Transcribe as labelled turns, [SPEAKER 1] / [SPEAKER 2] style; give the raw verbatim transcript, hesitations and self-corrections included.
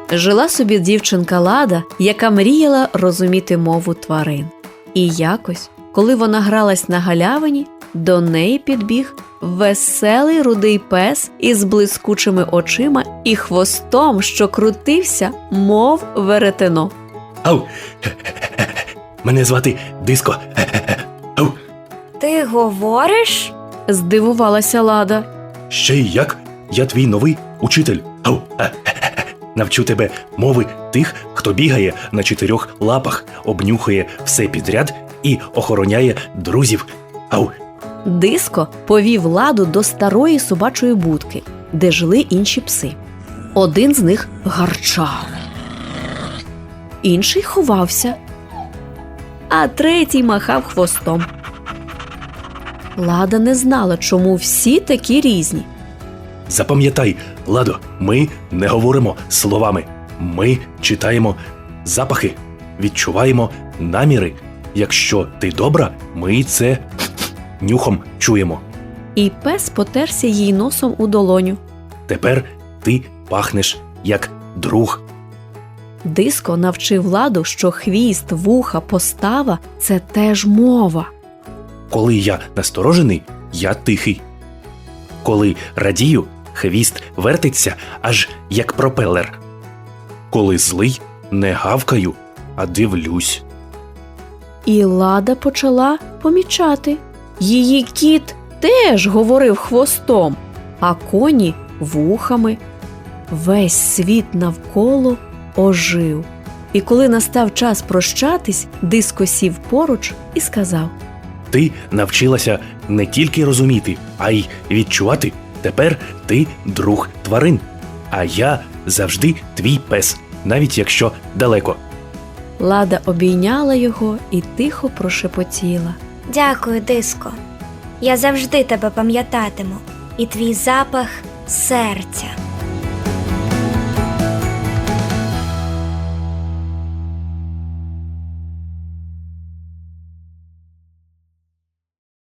[SPEAKER 1] Жила собі дівчинка Лада, яка мріяла розуміти мову тварин. І якось, коли вона гралась на галявині, до неї підбіг веселий рудий пес із блискучими очима і хвостом, що крутився, мов веретено.
[SPEAKER 2] Ау! Мене звати Диско. Ау!
[SPEAKER 3] Ти говориш?
[SPEAKER 1] Здивувалася Лада.
[SPEAKER 2] Ще й як? Я твій новий учитель. Ау! Навчу тебе мови тих, хто бігає на чотирьох лапах, обнюхує все підряд і охороняє друзів. Ау!
[SPEAKER 1] Диско повів Ладу до старої собачої будки, де жили інші пси. Один з них гарчав, інший ховався, а третій махав хвостом. Лада не знала, чому всі такі різні.
[SPEAKER 2] Запам'ятай, Ладо, ми не говоримо словами. Ми читаємо запахи, відчуваємо наміри. Якщо ти добра, ми це нюхом чуємо.
[SPEAKER 1] І пес потерся їй носом у долоню.
[SPEAKER 2] Тепер ти пахнеш як друг.
[SPEAKER 1] Диско навчив Ладу, що хвіст, вуха, постава – це теж мова.
[SPEAKER 2] Коли я насторожений, я тихий. Коли радію, хвіст вертиться, аж як пропелер. Коли злий, не гавкаю, а дивлюсь.
[SPEAKER 1] І Лада почала помічати. Її кіт теж говорив хвостом, а коні – вухами. Весь світ навколо ожив. І коли настав час прощатись, Диско сів поруч і сказав:
[SPEAKER 2] Ти навчилася не тільки розуміти, а й відчувати. Тепер ти друг тварин, а я завжди твій пес, навіть якщо далеко.
[SPEAKER 1] Лада обійняла його і тихо прошепотіла:
[SPEAKER 3] Дякую, Диско. Я завжди тебе пам'ятатиму. І твій запах серця.